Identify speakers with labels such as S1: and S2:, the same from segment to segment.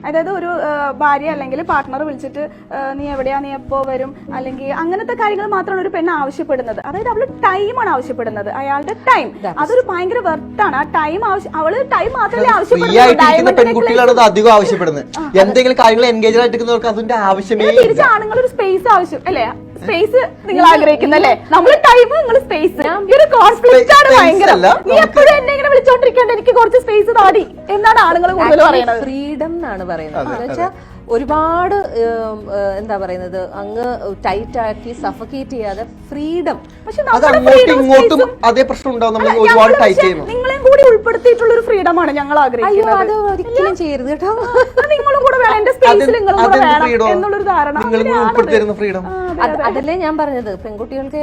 S1: അതായത് ഒരു ഭാര്യ അല്ലെങ്കിൽ പാർട്ട്ണർ വിളിച്ചിട്ട് നീ എവിടെയാ, നീ എപ്പോ വരും, അല്ലെങ്കിൽ അങ്ങനത്തെ കാര്യങ്ങൾ മാത്രമാണ് ഒരു പെണ്ണ് ആവശ്യപ്പെടുന്നത്. അതായത് അവള് ടൈമാണ് ആവശ്യപ്പെടുന്നത്, അയാളുടെ ടൈം. അതൊരു ഭയങ്കര വെർത്താണ്. ആ ടൈം അവള് ടൈം മാത്രമേ ആവശ്യപ്പെടുന്നത്.
S2: പെൺകുട്ടികളാണ് അധികം ആവശ്യപ്പെടുന്നത്. എന്തെങ്കിലും കാര്യങ്ങൾ എൻഗേജ് ആയിട്ടിരിക്കുന്നവർക്ക് അതിന്റെ ആവശ്യമേ.
S1: തിരിച്ച് ആണുങ്ങൾ ഒരു സ്പേസ് ആവശ്യം അല്ലേ, സ്പേസ് നിങ്ങൾ ആഗ്രഹിക്കുന്നല്ലേ, നമ്മള് ടൈം, നിങ്ങൾ സ്പേസ്. ഈ ഒരു കോൺഫ്ലിക്റ്റ് ആണ് ഭയങ്കര. നീ എപ്പോഴും എന്നെ ഇങ്ങനെ വിളിച്ചോണ്ടിരിക്കേണ്ട, എനിക്ക് കുറച്ച് സ്പേസ് താടി എന്നാണ് ആളുകൾ കൂടുതൽ പറയുന്നത്.
S3: ഫ്രീഡം എന്നാണ് പറയുന്നത്. എന്ന് വെച്ചാൽ ഒരുപാട് എന്താ പറയുന്നത്, അങ്ങ് ടൈറ്റ് ആക്കി സഫക്കേറ്റ് ചെയ്യാതെ ഫ്രീഡം.
S1: പക്ഷെ
S2: ഇങ്ങോട്ടും അതേ പ്രശ്നം ഉണ്ടാവും.
S1: നിങ്ങളെയും കൂടി ഉൾപ്പെടുത്തിയിട്ടുള്ള ഒരു ഫ്രീഡം ആണ് ഞങ്ങൾ ആഗ്രഹിക്കുന്നത്.
S3: അത് ഒരിക്കലും ചെയ്യരുത് കേട്ടോ.
S1: നിങ്ങളും കൂടെ വേണം, എന്റെ സ്പേസിൽ നിങ്ങളും കൂടെ വേണം എന്നുള്ളൊരു ധാരണ.
S3: അതല്ലേ ഞാൻ പറഞ്ഞത്, പെൺകുട്ടികൾക്ക്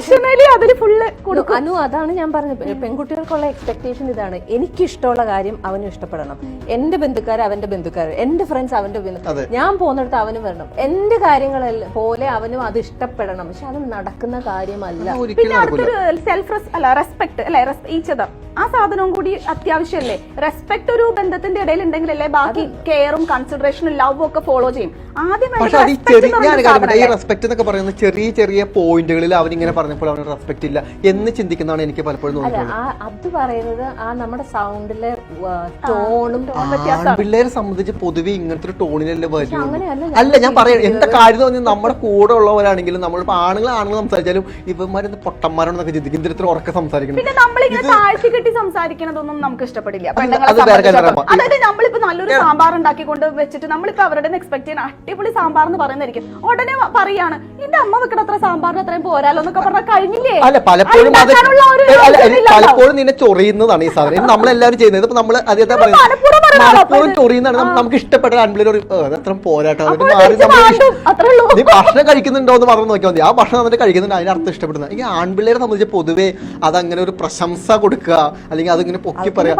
S3: അനു, അതാണ് ഞാൻ പറഞ്ഞത്. പെൺകുട്ടികൾക്കുള്ള എക്സ്പെക്ടേഷൻ ഇതാണ്, എനിക്കിഷ്ടമുള്ള കാര്യം അവനും ഇഷ്ടപ്പെടണം, എന്റെ ബന്ധുക്കാർ അവന്റെ ബന്ധുക്കാർ, എന്റെ ഫ്രണ്ട്സ് അവന്റെ ബന്ധുക്കാർ, ഞാൻ പോകുന്നിടത്ത് അവനും വരണം, എന്റെ കാര്യങ്ങളെല്ലാം പോലെ അവനും അത് ഇഷ്ടപ്പെടണം. പക്ഷെ അത് നടക്കുന്ന കാര്യമല്ല.
S1: പിന്നെ അടുത്തൊരു റെസ്പെക്ട് അല്ലെ, ഈച്ച് അതർ, ആ സാധനവും കൂടി അത്യാവശ്യമല്ലേ. റെസ്പെക്ട് ഒരു ബന്ധത്തിന്റെ ഇടയിൽ ഉണ്ടെങ്കിലല്ലേ ബാക്കി കെയറും കൺസിഡറേഷനും ലവും ഒക്കെ ഫോളോ ചെയ്യും. ആദ്യം
S2: റെസ്പെക്ട് എന്നൊക്കെ പറയുന്നത് ചെറിയ ചെറിയ പോയിന്റുകളിൽ അവരിങ്ങനെ പറഞ്ഞപ്പോൾ അവന് റെസ്പെക്ട് ഇല്ല എന്ന് ചിന്തിക്കുന്നതാണ് എനിക്ക് പലപ്പോഴും തോന്നുന്നത്.
S3: അത് പറയുന്നത് ആ നമ്മുടെ സൗണ്ടിലെ ടോണും.
S2: പിള്ളേരെ സംബന്ധിച്ച് പൊതുവെ ഇങ്ങനത്തെ ഒരു ടോണിലല്ലേ വരും. അല്ല ഞാൻ പറയാം, എന്താ കാര്യം തോന്നി നമ്മുടെ കൂടെ ഉള്ളവരാണെങ്കിലും നമ്മളിപ്പോ ആണുങ്ങൾ സംസാരിച്ചാലും ഇവന്മാരെന്ത് പൊട്ടന്മാരാണെന്നൊക്കെ ചിന്തിക്കും. ഇത്ര ഉറക്കെ സംസാരിക്കണം.
S1: പിന്നെ നമ്മളിങ്ങനെ താഴ്ത്തി കെട്ടി സംസാരിക്കണതൊന്നും നമുക്ക് ഇഷ്ടപ്പെടില്ല. അതായത് നമ്മളിപ്പോ നല്ലൊരു സാമ്പാർ ഉണ്ടാക്കിക്കൊണ്ട് വെച്ചിട്ട് നമ്മളിപ്പോ അവരുടെ എക്സ്പെക്ട് ചെയ്യുന്ന അടിപൊളി സാമ്പാർ എന്ന് പറയുന്നതായിരിക്കും. ഉടനെ പറയാണ് എന്റെ അമ്മ വെക്കണ അത്ര സാമ്പാറിന് അത്രയും പോരാലോ എന്നൊക്കെ പറഞ്ഞാൽ കഴിഞ്ഞില്ലേ.
S2: അല്ല പലപ്പോഴും പലപ്പോഴും നിന്നെ ചൊറിയുന്നതാണ് ഈ സാധനം നമ്മളെല്ലാവരും ചെയ്യുന്നത്. ഇപ്പൊ നമ്മള് അതേതാ പറയുന്നത് ചൊറിയുന്നതാണ്. നമുക്ക് ഇഷ്ടപ്പെട്ട ആൺപിള്ളേർ അത്ര പോരാട്ടോ, നീ ഭക്ഷണം കഴിക്കുന്നുണ്ടോ എന്ന് പറഞ്ഞു നോക്കിയാൽ മതി. ആ ഭക്ഷണം എന്നിട്ട് കഴിക്കുന്നുണ്ട്, അതിനർത്ഥം ഇഷ്ടപ്പെടുന്നത്. ഈ ആൺപിള്ളേരെ സംബന്ധിച്ച് പൊതുവെ അതങ്ങനെ ഒരു പ്രശംസ കൊടുക്കുക, അല്ലെങ്കിൽ അതിങ്ങനെ പൊക്കി പറയാ.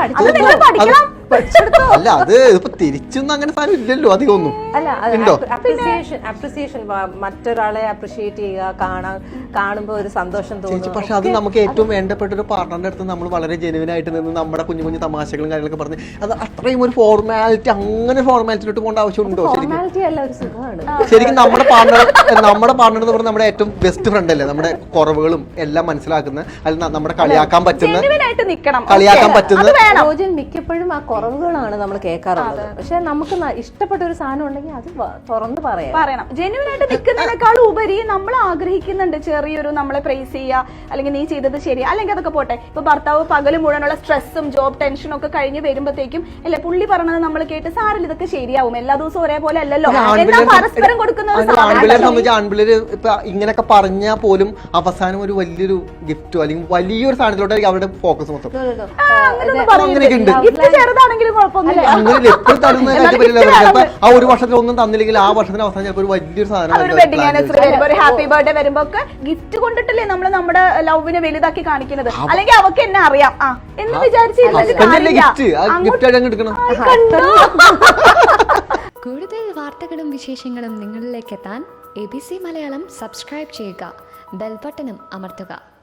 S2: അല്ല അത് ഇപ്പൊ തിരിച്ചൊന്നും അങ്ങനെ സാധനം ഇല്ലല്ലോ അധികം ഒന്നും.
S3: അപ്രിസിയേഷൻ, മറ്റൊരാളെ അപ്രിഷിയേറ്റ് ചെയ്യുക, കാണുമ്പോ ഒരു സന്തോഷം തോന്നുന്നു.
S2: പക്ഷെ അത് നമുക്ക് ഏറ്റവും വേണ്ടപ്പെട്ട ഒരു പാർട്ണറിന്റെ അടുത്ത് നമ്മൾ വളരെ ജെനുവിൻ ആയിട്ട് നിന്ന് നമ്മുടെ കുഞ്ഞു കുഞ്ഞു തമാശകളും കാര്യങ്ങളൊക്കെ പറഞ്ഞ് അത് അത്രയും ഒരു ഫോർമാലിറ്റി, അങ്ങനെ ഫോർമാലിറ്റിയിലോട്ട് പോകേണ്ട ആവശ്യമുണ്ടോ? ശരിക്കും നമ്മുടെ പാർട്ണർ എന്ന് പറഞ്ഞാൽ നമ്മുടെ ഏറ്റവും ബെസ്റ്റ് ഫ്രണ്ട് അല്ലേ, നമ്മുടെ കുറവുകളും എല്ലാം മനസ്സിലാക്കുന്ന, അല്ല നമ്മുടെ കളിയാക്കാൻ പറ്റുന്ന
S3: മിക്കപ്പോഴും ആ കുറവുകളാണ് നമ്മൾ കേൾക്കാറുള്ളത്. പക്ഷെ നമുക്ക് ഇഷ്ടപ്പെട്ട ഒരു സാധനം ഉണ്ടെങ്കിൽ അത് തുറന്ന് പറയണം.
S1: ജെന്യൂൻ ആയിട്ട് നിൽക്കുന്നതിനേക്കാൾ ഉപരി നമ്മൾ ആഗ്രഹിക്കുന്നുണ്ട് ചെറിയൊരു നമ്മളെ പ്രൈസ് ചെയ്യുക, അല്ലെങ്കിൽ നീ ചെയ്തത് ശരി, അല്ലെങ്കിൽ അതൊക്കെ പോട്ടെ. ഇപ്പൊ ഭർത്താവ് പകല് മുഴുവനുള്ള സ്ട്രെസ്സും ജോബ് ടെൻഷനും ഒക്കെ കഴിഞ്ഞ് വരുമ്പോഴത്തേക്കും അല്ലെ പുള്ളി പറഞ്ഞത് നമ്മൾ കേട്ട് സാറിൽ ഇതൊക്കെ ശരിയാവും, എല്ലാ ദിവസവും ഒരേപോലെ അല്ലല്ലോ, പരസ്പരം കൊടുക്കുന്നത്.
S2: ആൺപിള്ളേര് ഇപ്പൊ ഇങ്ങനെയൊക്കെ പറഞ്ഞാൽ പോലും അവസാനം ഒരു വലിയൊരു ഗിഫ്റ്റോ അല്ലെങ്കിൽ വലിയൊരു സാധനത്തിലോട്ടായിരിക്കും അവരുടെ ഫോക്കസ് മൊത്തം.
S1: ചെറുതാണെങ്കിലും കുഴപ്പമൊന്നുമില്ല.
S2: ആ ഒരു വർഷത്തിൽ ഒന്നും തന്നില്ലെങ്കിൽ ആ വർഷത്തിന് അവസാനം ചിലപ്പോൾ ഒരു വലിയൊരു സാധനം,
S1: വെഡിങ് ആനിവേഴ്സറി വരുമ്പോ, ഒരു ഹാപ്പി ബർത്ത്ഡേ വരുമ്പോ ഒക്കെ ഗിഫ്റ്റ് കൊണ്ടിട്ടല്ലേ നമ്മൾ നമ്മുടെ ലവിനെ വലുതാക്കി കാണിക്കുന്നത്. അല്ലെങ്കിൽ അവർക്ക് എന്നെ അറിയാം എന്ന് വിചാരിച്ച്
S4: കൂടുതൽ വാർത്തകളും വിശേഷങ്ങളും നിങ്ങളിലേക്ക് എത്താൻ ABC മലയാളം സബ്സ്ക്രൈബ് ചെയ്യുക, ബെൽ ബട്ടണും അമർത്തുക.